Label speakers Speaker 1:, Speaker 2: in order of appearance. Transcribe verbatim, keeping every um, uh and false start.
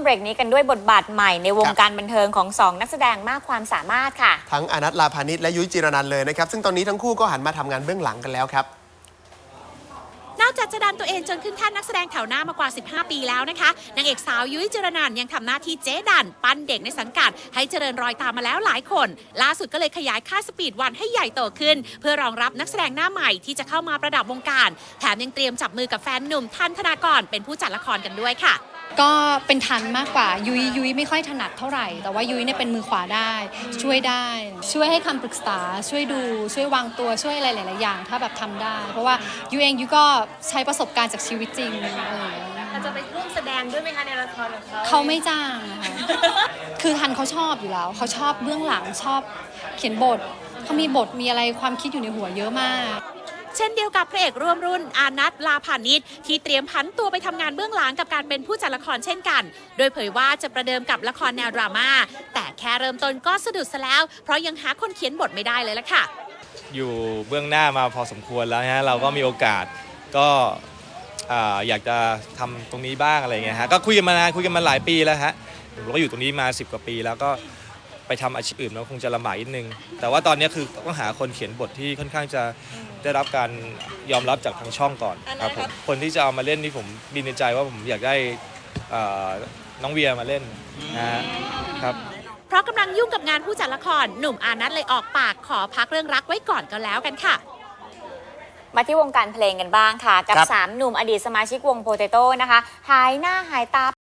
Speaker 1: เบรกนี้กันด้วยบทบาทใหม่ในวงการบันเทิงของสองนักแสดงมากความสามารถค่ะ
Speaker 2: ทั้งอานัท ลาพานิชและยุ้ยจิรนันท์เลยนะครับซึ่งตอนนี้ทั้งคู่ก็หันมาทำงานเบื้องหลังกันแล้วครับ
Speaker 3: นอกจากจะดันตัวเองจนขึ้นแท่นนักแสดงแถวหน้ามากว่าสิบห้าปีแล้วนะคะนางเอกสาวยุ้ยจิรนันท์ยังทำหน้าที่เจ๊ดันปั้นเด็กในสังกัดให้เจริญรอยตามมาแล้วหลายคนล่าสุดก็เลยขยายค่ายสปีดวันให้ใหญ่โตขึ้นเพื่อรองรับนักแสดงหน้าใหม่ที่จะเข้ามาประดับวงการแถมยังเตรียมจับมือกับแฟนหนุ่มทันธนากรเป็นผู้จัดละครกันด้วยค่ะ
Speaker 4: ก็เป็นทันมากกว่ายุ้ยยุ้ยไม่ค่อยถนัดเท่าไหร่แต่ว่ายุ้ยเนี่ยเป็นมือขวาได้ช่วยได้ช่วยให้คำปรึกษาช่วยดูช่วยวางตัวช่วยอะไรหลายๆอย่างถ้าแบบทำได้เพราะว่ายุ้ยเองยุ้ยก็ใช้ประสบการณ์จากชีวิตจริงอะไรอย่างเงี้ย
Speaker 5: จะไปร่วมแสดงด้วยไหมคะในละครของเขา
Speaker 4: เขาไม่จ้างนะคะคือทันเขาชอบอยู่แล้วเขาชอบเบื้องหลังชอบเขียนบทเขามีบทมีอะไรความคิดอยู่ในหัวเยอะมาก
Speaker 3: เช่นเดียวกับพระเอกร่วมรุ่นอานัท ลาพานิชที่เตรียมผันตัวไปทำงานเบื้องหลังกับการเป็นผู้จัดละครเช่นกันโดยเผยว่าจะประเดิมกับละครแนวดราม่าแต่แค่เริ่มต้นก็สะดุดซะแล้วเพราะยังหาคนเขียนบทไม่ได้เลยล่ะค่ะ
Speaker 6: อยู่เบื้องหน้ามาพอสมควรแล้วฮะเราก็มีโอกาสก็อยากจะทำตรงนี้บ้างอะไรเงี้ยฮะก็คุยกันมานานคุยกันมาหลายปีแล้วฮะเราก็อยู่ตรงนี้มาสิบกว่าปีแล้วก็ไปทำอาชีพอื่นเราคงจะลำบากนิดนึงแต่ว่าตอนนี้คือต้องหาคนเขียนบทที่ค่อนข้างจะได้รับการยอมรับจากทางช่องก่อนครับผมคนที่จะเอามาเล่นนี่ผมมีในใจว่าผมอยากได้น้องเวียมาเล่นนะครับ
Speaker 3: เพราะกำลังยุ่งกับงานผู้จัดละครหนุ่มอานัทเลยออกปากขอพักเรื่องรักไว้ก่อนก็แล้วกันค่ะ
Speaker 1: มาที่วงการเพลงกันบ้างค่ะกับสามหนุ่มอดีตสมาชิกวงโปเตโต้นะคะหายหน้าหายตา